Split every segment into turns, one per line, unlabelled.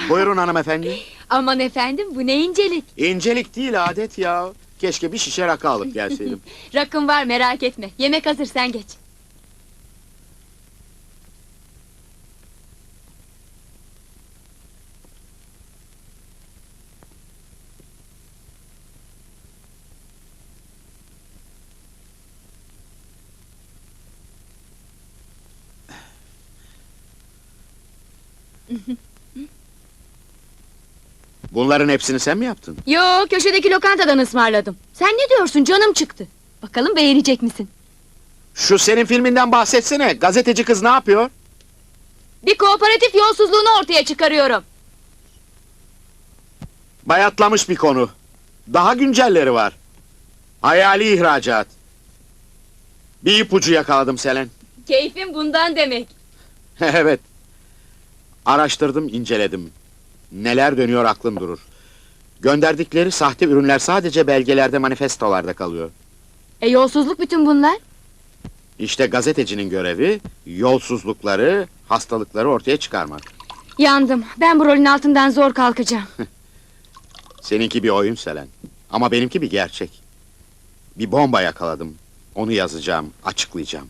Buyurun hanımefendi.
Aman efendim, bu ne incelik.
İncelik değil, adet ya. Keşke bir şişe rakı alıp gelseydim.
Rakım var, merak etme. Yemek hazır, sen geç.
Bunların hepsini sen mi yaptın?
Yo, köşedeki lokantadan ısmarladım. Sen ne diyorsun, canım çıktı. Bakalım beğenecek misin?
Şu senin filminden bahsetsene. Gazeteci kız ne yapıyor?
Bir kooperatif yolsuzluğunu ortaya çıkarıyorum.
Bayatlamış bir konu. Daha güncelleri var. Hayali ihracat. Bir ipucu yakaladım Selen.
Keyfim bundan demek.
Evet. Araştırdım, inceledim. Neler dönüyor aklım durur. Gönderdikleri sahte ürünler sadece belgelerde, manifestolarda kalıyor.
Yolsuzluk bütün bunlar.
İşte gazetecinin görevi, yolsuzlukları, hastalıkları ortaya çıkarmak.
Yandım, ben bu rolün altından zor kalkacağım.
Seninki bir oyun Selen. Ama benimki bir gerçek. Bir bomba yakaladım. Onu yazacağım, açıklayacağım.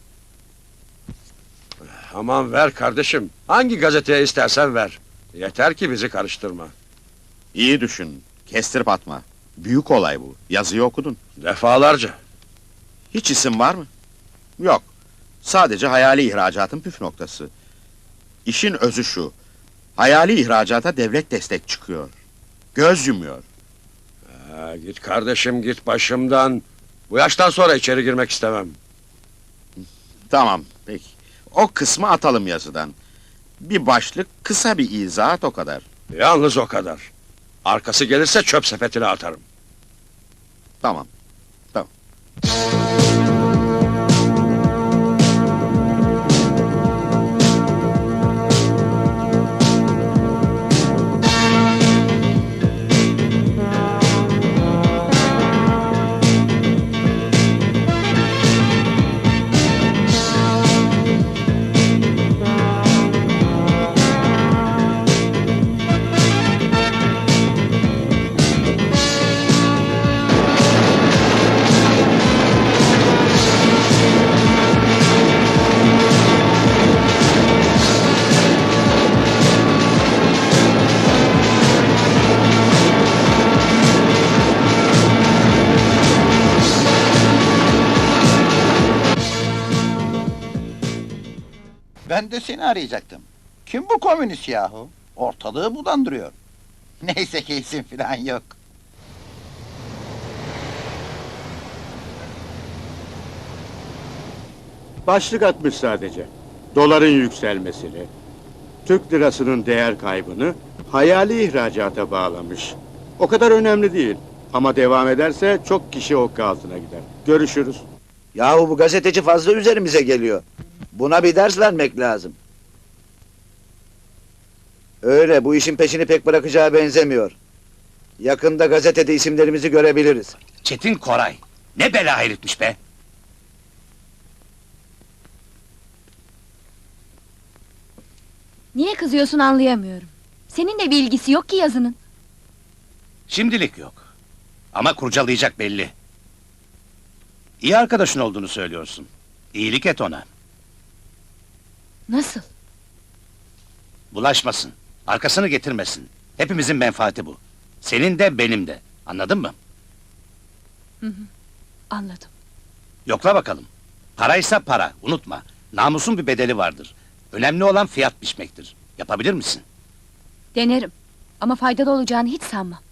Aman ver kardeşim. Hangi gazeteye istersen ver. Yeter ki bizi karıştırma.
İyi düşün, kestirip atma. Büyük olay bu, yazıyı okudun.
Defalarca.
Hiç isim var mı? Yok. Sadece hayali ihracatın püf noktası. İşin özü şu. Hayali ihracata devlet destek çıkıyor. Göz yumuyor.
Git kardeşim git başımdan. Bu yaştan sonra içeri girmek istemem.
Tamam, peki. O kısmı atalım yazıdan. Bir başlık, kısa bir izahat, o kadar.
Yalnız o kadar. Arkası gelirse çöp sepetine atarım.
Tamam. Tamam.
Ben de seni arayacaktım. Kim bu komünist yahu? Ortalığı bulandırıyor. Neyse ki isim filan yok.
Başlık atmış sadece. Doların yükselmesini, Türk lirasının değer kaybını hayali ihracata bağlamış. O kadar önemli değil. Ama devam ederse çok kişi okka altına gider. Görüşürüz.
Yahu bu gazeteci fazla üzerimize geliyor. Buna bir ders vermek lazım. Öyle, bu işin peşini pek bırakacağı benzemiyor. Yakında gazetede isimlerimizi görebiliriz.
Çetin Koray. Ne bela herifmiş be!
Niye kızıyorsun anlayamıyorum. Seninle bir ilgisi yok ki yazının.
Şimdilik yok. Ama kurcalayacak belli. İyi arkadaşın olduğunu söylüyorsun. İyilik et ona.
Nasıl?
Bulaşmasın. Arkasını getirmesin. Hepimizin menfaati bu. Senin de benim de. Anladın mı?
Anladım.
Yokla bakalım. Paraysa para. Unutma. Namusun bir bedeli vardır. Önemli olan fiyat biçmektir. Yapabilir misin?
Denerim. Ama faydalı olacağını hiç sanmam.